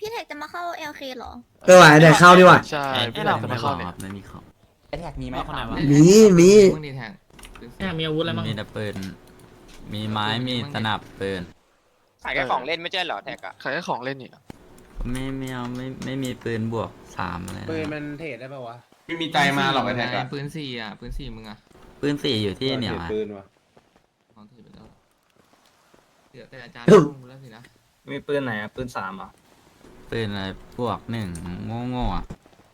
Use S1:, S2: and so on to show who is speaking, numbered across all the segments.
S1: พี่แท็กจะมาเข้า LK เหรอ
S2: ไหวแต่เข้าดีกว่า
S3: ใช่
S4: ไอ้เรา
S3: จะมาเข้าเนี่ย
S4: ไม่มีของ
S5: ไอแท็กมีไหม
S4: เอาคนไหนวะ
S2: มี
S6: มึงดีแทง
S4: มีอาวุธอะไรบ้าง
S7: มีแต่ปืนมีไม้มีสนับปืน
S8: ขายแค่ของเล่นไม่ใช่เหรอแท็กอะ
S3: ขายแค่ของเล่นนี่
S7: ไม่เอาไม่มีปืนบวกสามอะไรนะ
S5: ปืนมันเทรดได้ป่าวะ
S6: ไม่มีใจมาหรอกไอ้แท็กอะปืนสี่อะปืนสี่มึงอะ
S7: ปืนสี่อยู่ที่เหนียวอะ
S5: ปืนวะ
S6: ของถือไปแล้วเหลือแต่อาจารย์
S2: อืม
S6: ลงแล้วสินะ
S9: มีปืนไหนอ่ะปืน3อ่ะ
S7: ปืนอะไรบวกหนึ่งโง่ๆอะ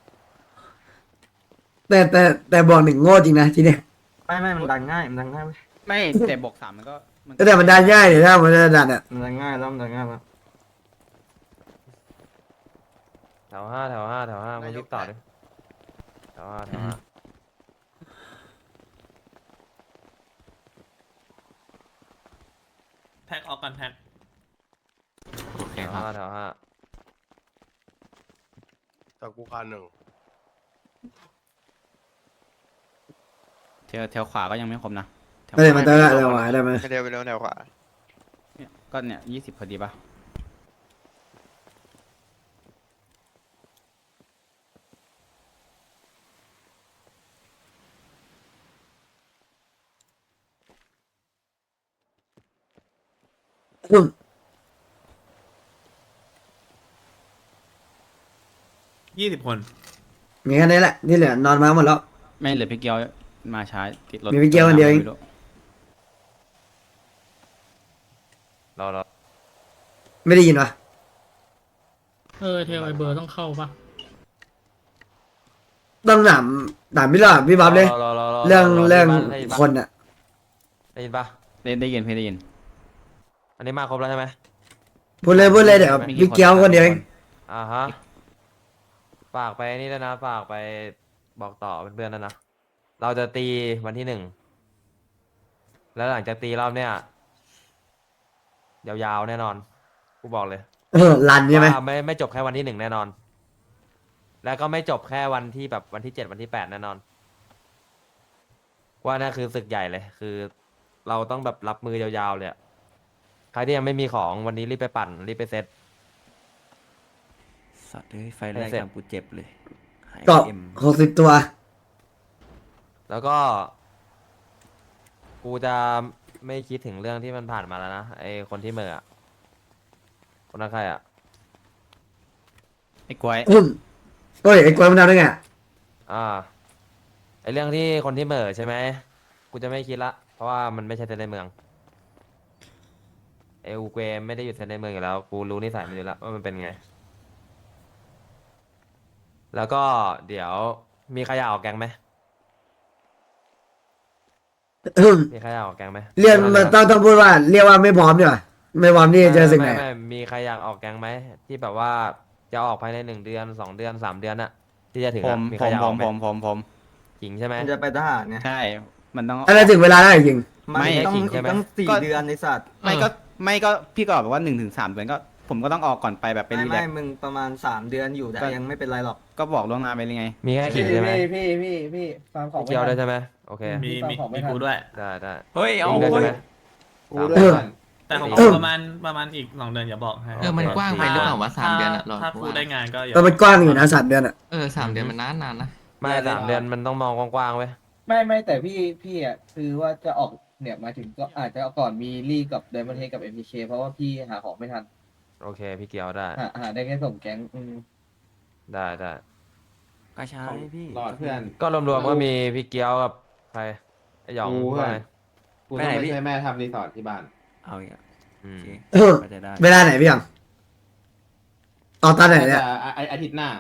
S2: แต่บอกหนึ่งโง่จริงนะทีเนี้ย
S9: ไม่มันดันง่ายมันดันง่ายเว้ย
S5: ไม่แต่บวก3มันก็
S2: แต่มันดันง่ายเดี๋ยวถ้ามันจะดันอ่ะ
S9: มันดันง่ายแล้วมันดันง่ายแล้ว
S5: แถวห้ามึงรีบต่อดิแถวห้า
S4: แท็กออกกันแท็ก
S7: โอเค
S5: แถว
S7: ครับ
S5: ห้าแถวห้า
S3: จากกูคันหนึ่ง
S5: แถวขวาก็ยังไม่ครบนะแถว
S2: เดี๋ยวมันจะเร็วไหวได้ไหม
S3: ไม่เร็วไปเร็วแนวขวา
S5: ก็เนี่ย20พอดีป่ะ
S2: อืม
S4: 20 คน
S2: มีแค่นี้แหละที่เหลือนอนมาหมดแล้ว
S5: ไม่เหลือพี่เกียวมาช้าติดรถ
S2: มีพี่เกียวคนเดียวเอง
S5: ไม่รู้รอ
S2: ไม่ได้ยินวะ
S4: เทลไอเบอร์ต้องเข้าปะ
S2: ต้องถามพี่หลอดพี่บ๊อบเลยเรื่องคนอ่ะ
S5: ได้ยินปะได้ยินพี่ได้ยินอันนี้มาครบแล้วใช่ไหม
S2: พูดเลยเดี๋ยวพี่เกียวคนเดียวเอง
S5: อ่าฮะฝากไปนี่แล้วนะฝากไปบอกต่อเพื่อนๆนะเราจะตีวันที่1แล้วหลังจากตีรอบเนี้ยยาวๆแน่นอนกูบอกเลย
S2: รันใช่ไหม
S5: ว่าไม่จบแค่วันที่1แน่นอน แล้วก็ไม่จบแค่วันที่แบบวันที่7วันที่8แน่นอนว่านั่นคือศึกใหญ่เลยคือ เราต้องแบบรับมือยาวๆเลยอะใครที่ยังไม่มีของวันนี้รีบไปปั่นรีบไปเซ็ต
S7: สัตว์เอ้ยไฟแรก
S5: เสร็จ
S7: ทำกูเจ็บเลยหาย
S2: เกาะ
S7: เอ็ม
S2: 60 ตัว
S5: แล้วก็ กูจะไม่คิดถึงเรื่องที่มันผ่านมาแล้วนะไอคนที่เหม่ออะคนนั้นใครอะ
S4: ไอ้กวย
S2: โอ้ยไอ้กวยมันทำได้ไงอะ
S5: ไอเรื่องที่คนที่เหม่อใช่ไหมกูจะไม่คิดละเพราะว่ามันไม่ใช่เซนในเมืองไออูเกวไม่ได้อยู่เซนในเมืองอยู่แล้วกูรู้นิสัยมันอยู่แล้วว่ามันเป็นไง แล้วก็เดี๋ยวมีใครอยากออกแก๊งไหมมีใครอยากออกแก๊งไหม
S2: เรียกมันต้องพูดว่าเรียกว่าไม่พร้อมดีกว่าไม่พร้อมที่จะเจอสิ่งไหน
S5: ไม่มีใครอยากออกแก๊งไหมที่แบบว่าจะออกภายใน1 เดือน2 เดือน3 เดือนน่ะที่จะถึงอะมีใครอยากออกไหมจริงใช่ไหม
S9: มันจะไปทหารไง
S5: ใช่มันต้อง
S2: อะไรถึงเวลาแล้วจริง
S9: มัน
S5: ไม่
S9: ต้อง
S5: ขิงใช่ไหม
S9: ต้อง4 เดือนในสัตว์
S5: ไม่ก็พี่ก็บอกว่า1 ถึง 3 เดือนก็ผมก็ต้องออกก่อนไปแบบไปรีแล
S9: ไม่
S5: กซ์
S9: มึงประมาณ3 เดือนอยู่แต่ยังไม่เป็นไรหรอก
S5: ก็บอกล่วงหน้าไปเลยไง มีแค่ขิงใช่ไหม
S10: พี่ฟังของ
S5: เกี่ยวด้วยใช่ไหมโอเค
S4: มีกูด้วย
S5: ได้
S7: เฮ้ยเอา
S5: ขิงด้วยใช่ไหม
S10: กูด้วยก่อน
S4: แต่ของกูประมาณอีก2 เดือนอย่าบอกให้
S6: มันกว้างไปหรือเปล่าวะ3 เดือนอะหรอ
S4: ถ้ากูได้งานก็อย่า
S2: ก็มันกว้างอยู่นะ3 เดือนอ่ะ
S6: 3 เดือนมันนานนะ
S5: ไม่3 เดือนมันต้องมองกว้างๆเว้ย
S10: ไม่แต่พี่อ่ะคือว่าจะออกเนี่ยมาถึงก็อาจจะก่อนมีลี่กับไดมอนด์เฮดกับ MPK เพราะว่าพี่หาของไม่ทัน
S5: โอเคพี่เกี่ยวได้
S10: หาได้แค่ส่งแก๊ง
S5: ได้
S7: กระชายพี่
S10: รอดเพื่อน
S5: ก็รวมๆก็มีพี่เกียวกับใครไอหยอง
S10: กูเพื่อน
S5: ว่าไง
S10: กูต้องไปช่วยแม่ทำรีสอร์ทที่บ้าน
S7: เอาอีกอะ
S5: อืม
S7: ก็จะได้
S2: เวลาไหนพี่ยังออกตอนไหนเนี่ย
S10: อาทิตย์หน้า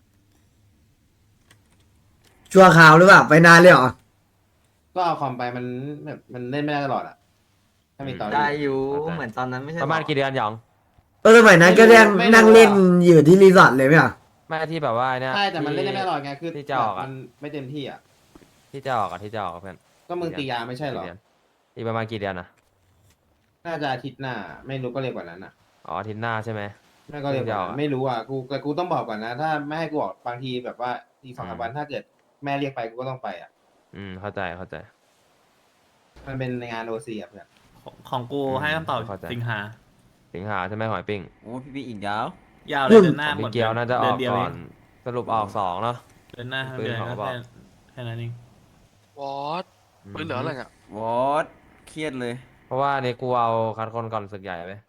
S2: ชั่วคราวหรือเปล่าไปนานเลยเหรอ
S10: ก็เอาคอมไปมันแบบมันเล่นไม่ได้ตลอดอ่ะถ้ามีตอน
S9: ได้อยู่เหมือนตอนนั้นไม่ใช่
S5: ประมาณกี่เดือนหยอง
S2: สมัยนั้นก็นั่งเล่นอยู่ที่รีสอร์ทเลยไหมอ่ะ
S5: ไม่ที่แบบว่าเนี่ย
S10: ใช่แต่มันเล่นได้ไม่ตลอดไงคือ
S5: ที่จะออกอะ
S10: มันไม่เต็มที่อ่ะ
S5: ที่จะออกเพื่อน
S10: ก็มึงตียาไม่ใช่หรอ
S5: กี่เดืนอีกประมาณกี่เดือนนะ
S10: น่าจะอาทิตย์หน้า ไม่รู้ก็เร็วกว่านั้นอ่ะ
S5: อ๋ออาทิตย์หน้าใช่ไหม
S10: ไม่ก็เร็วกว่านั้นไม่รู้อ่ะกูต้องบอกก่อนนะ ถ้าไม่ให้กูออกบางทีแบบว่าอีก2-3 วันถ้าเกิดแม่เรียกไปกูก็ต้องไปอ่ะ
S5: เข้าใจ
S10: มันเป็นงานโอซีอ่ะเพื่อน
S4: ของกูให้คำตอบ
S5: เข้าใจ
S4: สิงหา
S5: สิงหาใช่ไหมหอยปิ้ง
S7: โอ้พี่อีกยาว
S5: อ
S4: ยาวเลยเดือนห
S5: ข
S4: น้า
S5: อง
S4: หม
S5: มิ
S4: ด
S5: เกลน่าจะออก
S4: เดืนเดียว
S5: ก่อ
S4: เอน ง
S5: สรุปออก2เนาะ
S4: เดือนหน้าทั้ง
S5: ปืน
S4: เดือน
S5: ของ
S4: ก็
S5: บอก
S4: แค่นั้นเอง
S3: วอตปืนเหลืออะไรเนี่ย
S7: วอดเครียดเลย
S5: เพราะว่านี่กูเอาคัดคนก่อนศึกใหญ่ไป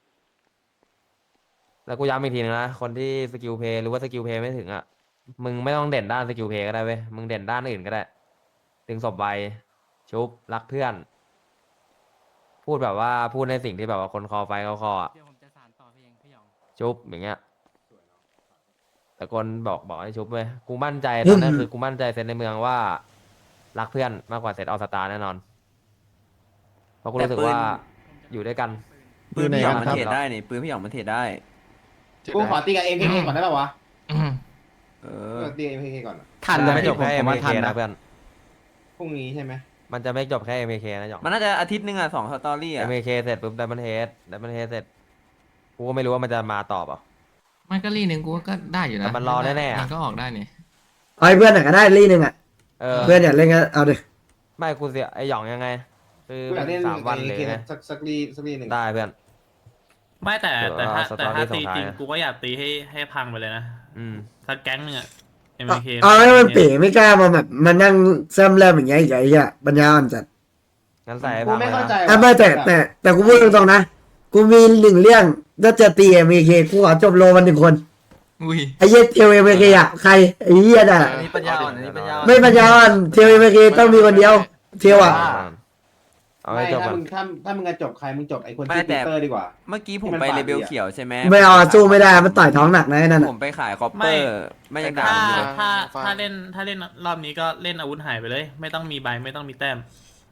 S5: แล้วกูย้ำอีกทีนึงนะคนที่สกิลเพย์หรือว่าสกิลเพย์ไม่ถึงอ่ะมึงไม่ต้องเด่นด้านสกิลเพย์ก็ได้เว้ยมึงเด่นด้านอื่นก็ได้ดึงศพไวชุบรักเพื่อน พูดแบบว่าพูดในสิ่งที่แบบว่าคนคอไฟเขาคออ่ะ
S7: เดี๋ยวผมจะสานต่อเพลงพี่หยอง
S5: ชุบอย่างเงี้ยแต่คนบอกให้ชุบเว้ยกูมั่นใจตอนนั้นคือกูมั่นใจเซนในเมืองว่า รักเพื่อนมากกว่าเซตออลสตาร์แน่นอนเพราะกูรู้สึกว่าอยู่ด้วยกัน
S7: ปืนพี่หยองมัน
S5: ครับ
S7: เทรดได้นี่ปืนพี่หยองมันเทรดได้
S10: กูขอตีกับเอ็มเคก่อนได้ป่าวะ
S7: เออ
S10: ตีเอ็มเคก่อน
S5: ทันจะไม่จบแค่ MK นะเพื่อน
S10: พรุ่งนี้ใช่ไหม
S5: มันจะไม่จบแค่ MK นะหยอง
S7: มันน่าจะอาทิตย์นึงอ่ะ2สตอรี่อ่ะ
S5: MK เสร็จปุ๊บDiamond Headเสร็จกูก็ไม่รู้ว่ามันจะมาต่อเปล่า
S6: มันก็รีหนึ่งกูก็ได้อยู่นะ
S5: แต่มันรอแน่ๆอะ
S6: มันก็ออกได้นี่
S2: เอาให้เพื่อนหน่อยก็ได้ลี่หนึ่งอ่ะ
S5: เออ
S2: เพื่อนอยากเล่นก็เอาดิ
S5: ไม่กูเสียไอหยองยังไง คือ
S10: กูอยากเล่น
S5: 3 วันเลยไง
S10: สักรีหนึ่ง
S5: ได้เพื่อน
S4: ไม่แต่
S5: เดี๋ยว
S4: ถ้า
S5: สต
S4: แต่
S5: อรี่
S4: ถ้าตี
S5: ส่งท้าย
S4: จริง
S5: นะ
S4: กูก็อยากตีให้พังไปเลยนะ
S5: อืม
S4: สักแก๊งหนึงอะ
S2: เอา
S4: MK
S2: เอาให้มันเป๋ไม่กล้ามาแบบมานั่งเริ่มอย่างเงี้ยอีกไอ้เหี้ยปัญญาอ่อนจัด
S5: งั้นใส่ให้
S10: กู
S5: พัง
S10: ไม่
S5: เลย
S10: เข้าใจ
S5: นะ
S2: อ่ะไม่แต่กูพูดตรงๆนะกูมีหนึ่งเรื่องถ้าจะตีเอ็มเคกูขอจบโลมัน1 คน
S6: อุ้ย
S2: ไอ้เหี้ยเทลเอ็มเคอ่ะใครไอ้เหี้ยน่ะ
S9: อันนี้ปัญญาอ่อนอันนี้ปัญญาอ่อน
S2: ไม่ปัญญาอ่อนเทลเอ็มเคต้องมีคนเดียวเทลอ่ะ
S5: เอา
S10: ไม่
S5: ให้จบ
S10: ถ้า
S5: ก่อน
S10: มึงถ้ามึงจะจบใครมึงจบไอ้คน
S7: ไม่
S10: ที่
S7: แต่
S10: ปีเตอร์ดีกว่า
S7: เมื่อกี้ผม
S10: ที่มัน
S7: ไป
S10: ปาด
S7: เลเวล
S10: ดีอะ
S7: เขียวใช่ไหม
S2: ไม่เอาสู้ไม่ได้มันต่อยท้องหนักนะไอ้นั่น
S7: ผ
S2: อ่ะ
S7: มไปขายคอปเปอร์ไม่ยังด่า
S4: ถ้า
S7: ผมอยู่เลย
S4: ถ้าเล่นรอบนี้ก็เล่นอาวุธหายไปเลย ไม่ต้องมีใบไม่ต้องมีแต้ม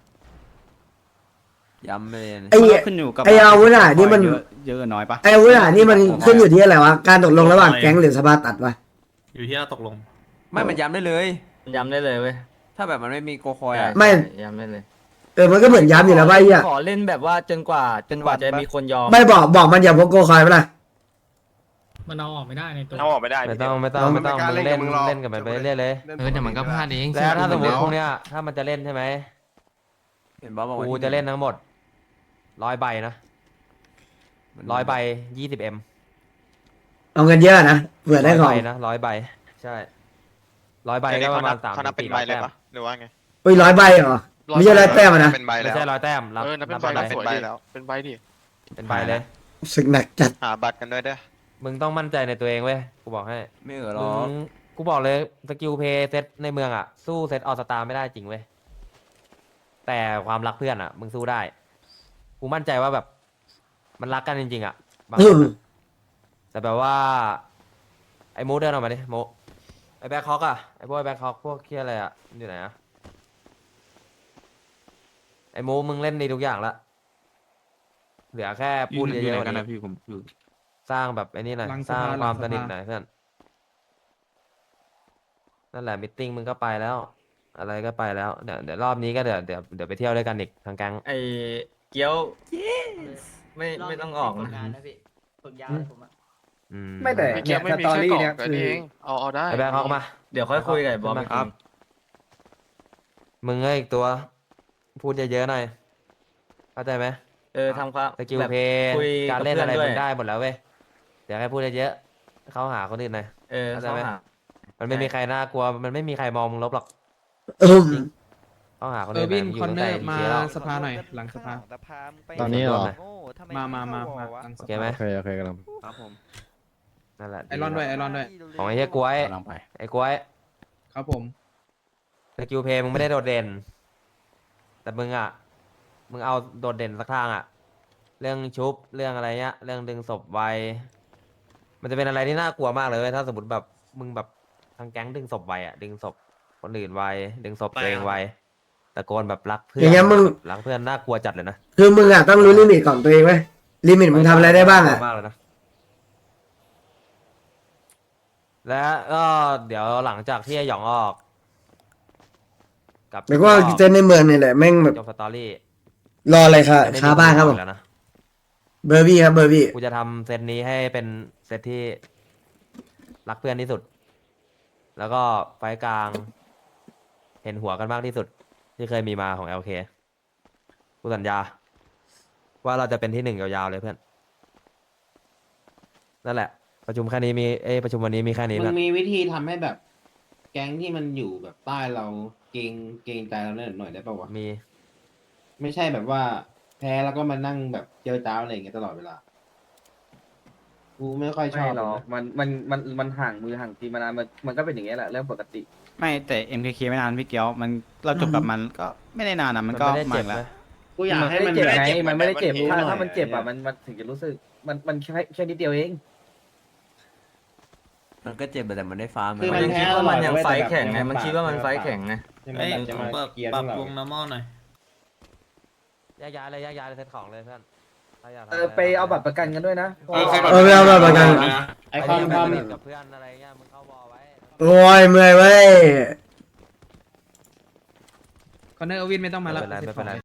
S7: ย้ำไปเลย
S2: ไอ้
S1: ขึ้นอยู่กับ
S2: ไอ้อาวุธอ่ะนี่มัน
S1: เยอะน้อยปะ
S2: ไอ้อาวุธอ่ะนี่มันขึ้นอยู่ที่อะไรวะการตกลงระหว่างแก๊งหรือสภาตัดวะ
S4: อยู่ที่เราตกลง
S7: ไม่มันย้ำได้เลย
S9: ย้ำได้เลยเว้ย
S7: ถ้าแบบมันไม่มีโกคอยอ่ะ
S2: ไม่
S9: ย้ำได้เลย
S2: มันก็เหมือนย้ำอยู่แล้วว่าไอ้เหี้ย
S9: ขอเล่นแบบว่าจนกว่าจะมีคนยอม
S2: ไม่บอกมันอย่าพกโกคอยไปละ
S4: มันเอาออกไม่ได้ในตัว
S8: เอาออกไม่ได้
S5: ไม่ต้องมึงเล่นกับมันไปเรื่อยเลย
S6: เดี๋ยวมันก็พลาดเอง
S5: แล้วถ้าสมมติ
S6: เชื่อ
S5: พวกเนี้ยถ้ามันจะเล่นใช่ไหม
S7: เห็นบอสบอกว่า
S5: กูจะเล่นทั้งหมด100 ใบนะ100 ใบ20M
S2: เอาเงินเยอะนะเผื่อได้ของ
S5: ใบนะ100 ใบใช่100 ใบก็ประมาณ3
S8: เขานับเป็นใบเลยปะหรือว่าไง
S2: เฮ้ย100 ใบเหรอไม่ใช่100 แต้มอะนะ
S8: เป็นใบ
S5: ไม่
S8: แล้ว
S5: ใช่100 แต้มรับ
S3: นับเป็น
S5: นับ
S3: ใบ
S5: เป็นใบ
S3: สวยดิเป็นใบดิ
S5: เป็นใบเลย
S2: สึกหนักจัด
S8: หาบัตรกันด้วยเด้อ
S5: มึงต้องมั่นใจในตัวเองเว้ยกูบอกให้
S7: ไม่เหรอหร
S5: มึ
S7: อก
S5: งกูบอกเลยสกิลเพย์เซตในเมืองอ่ะสู้เซตออสตาไม่ได้จริงเว้ยแต่ความรักเพื่อนอ่ะ มึงสู้ได้กูมั่นใจว่าแบบ มันรักกันจริงๆอ่ะบางคนอะแต่แบบว่า ไอ้โมเดินออกมาดิโมไอ้แบ็คฮอกอ่ะไอ้พวกแบ็คฮอกพวกเคียอะไรอ่ะมันอยู่ไหนอ่ะไอ้โมมึงเล่นดีทุกอย่างละเหลือแค่พูดเยอะๆกว่านี้
S1: ผมอยู่
S5: สร้างแบบไอ้นี่หน่อย
S1: หลัง
S5: สร้าง
S1: สภา
S5: ความ
S1: หลั
S5: ส
S1: งสภา
S5: นิทหน่อยเพื่อนนั่นแหละมิทติ้งมึงก็ไปแล้ว อะไรก็ไปแล้วเดี๋ยวรอบนี้ก็เดี๋ยวไปเที่ยวด้วยกันอีกทางแก๊ง
S9: ไอ้เกี้ยวไม่ต้องออกนะ
S5: อืม
S10: ไม่แต่
S3: ไม่เกี่ยวไม่มีแค่กล่องกันเองเอาได้
S5: ไอ้แบ็คฮอกมา
S9: เดี๋ยวค่อยคุยกับไอ้บอม
S5: ขึ้นมา
S9: อีกที
S5: มึงเอ้ยอีกตัว พูดเยอะๆหน่อยเข้าใจไหม
S9: ทำความ
S5: สกิล
S9: แบบ
S5: เพย์
S9: คุย
S5: การเล่น
S9: กับ
S5: อะไร
S9: เพื่อนด้วย
S5: มึงได้หมดแล้วเว้ยเดี๋ยวให้พูดเยอะๆเข้าหาคนอื่นหน่อย เข้าใจ
S9: เข้า
S5: ไหม
S9: หา
S5: มันไม่มีใครน่ากลัวมันไม่มีใครมองมึงลบหรอก
S2: อืม
S5: เข้าหาคนอื่นหน่อยมึงอยู่ตั้งแต่อีเแล้ว
S1: สภาหน่อยหลังสภา
S5: ตอนนี้เหรอ
S1: มาหลังส
S5: โอ
S1: ภา
S5: เคไหม
S1: โอเคกำลัง
S7: ครับผม
S5: นั่นแหละ
S1: ไอรอนด้วยไอรอนด้วย
S5: ของไอ้เหี้ยกล้วย
S1: กำลังไป
S5: ไอ้กล้วย
S1: ครับผม
S5: สกิลเพย์มึงไม่ได้โดดเด่น แต่มึงอ่ะ มึงเอาโดดเด่นสักทางอ่ะ เรื่องชุบเรื่องอะไรเงี้ย เรื่องดึงศพไว มันจะเป็นอะไรที่น่ากลัวมากเลยเว้ยถ้าสมมติแบบมึงแบบทางแก๊งดึงศพไวอ่ะ ดึงศพคนอื่นไว ดึงศพตัวเองไวตะโกนแบบรักเพื่อน
S2: อย่างเงี้ยมึง
S5: รักเพื่อนน่ากลัวจัดเลยนะ
S2: คือมึงอ่ะต้องรู้ลิมิตของตัวเองไว้ยลิมิตมึงทำอะไรได้บ้างอ่ะ
S5: มากเลยนะ และก็เดี๋ยวหลังจากที่ไอ้หยองออกกับ
S2: แล้วก็เจนในเมืองนี่แหละแม่งแบบ
S5: จบสตอรี่
S2: รออะไรค่ะ
S5: จะไม่มี
S2: คาบ้านครับผม
S5: แล้วนะ
S2: เบอร์บี้ครับเบอร์บี้
S5: กูจะทำเซตนี้ให้เป็นเซตที่รักเพื่อนที่สุด แล้วก็ไฟล์กลาง เห็นหัวกันมากที่สุด ที่เคยมีมาของ LK กูสัญญา ว่าเราจะเป็นที่1ยาวๆเลยเพื่อน นั่นแหละประชุมแค่นี้มีประชุมวันนี้มีแค่นี้
S1: มึ
S5: แบ
S1: ง
S5: บ
S1: มีวิธีทำให้แบบ แก๊งที่มันอยู่แบบใต้เราเกรงใจเราหน่อยได้ป่าวะ
S5: มี
S1: ไม่ใช่แบบว่า แพ้แล้วก็มานั่งแบบเจอจ้าวอะไรอย่างเงี้ยตลอดเวลากูไม่ค่อยช
S10: ไม่
S1: อบ
S10: หรอก
S1: นะ
S10: มันห่างมือห่างตีมานานมันก็เป็นอย่างเงี้ยแหละเรื่องปกติ
S11: ไม่แต่ MKK ไม่นานพี่เกียวมันเราจบกับมันก็ไม่ได้นานนะมันก็
S5: ไม่ได้
S11: มา
S5: เจ็
S11: อี
S5: บ
S11: กแล้ว
S5: นะ
S1: กูอยากให้มัน
S10: เจ็บ
S1: แบบ
S10: ไงมันไม่ได้เจ็บ
S1: มัน
S10: ถ้า
S1: หน่อย
S10: ถ้ามันเจ็บ
S1: อะ
S10: มันถึงจะรู้สึกมันแค่นิดเดียวเอง
S7: มันก็เจ็บแต่มันได้ฟ้า
S1: คือ
S9: มั
S1: มัน น
S9: ยัง
S1: แพ้
S9: คิดว่ามันยัง
S1: ตลอด
S9: ไฟท์
S1: เว้ย
S9: แข่งไง
S1: แต่แบบ
S9: มันคิดว่ามันไฟท์แข่งไง
S1: ใช่ไหม
S4: เอ้ย
S1: แบบจะมา
S4: ปรับ
S1: เกียร์
S4: ป
S1: พ
S4: รั
S1: ว
S4: บ
S1: กเรา
S4: วง normal หน่อย
S5: แยกย้ายเลยแยกย้ายเลยเซ็ตของเลยเพื่อนถ้าอยากทำ
S10: ไปเอาบัตรประกันกันด้วยนะ
S2: ไม่เอาแบบประกัน
S1: ไอความความ
S5: กับเพื่อนอะไรเงี้ยมึงเข้าวอลไว้
S2: โอ้ยเมื่อยเว้ย
S1: คอนเนอร์อวินไม่ต้องมา
S5: ไม่
S1: ละ
S5: เป็นไรไม่เป็นไร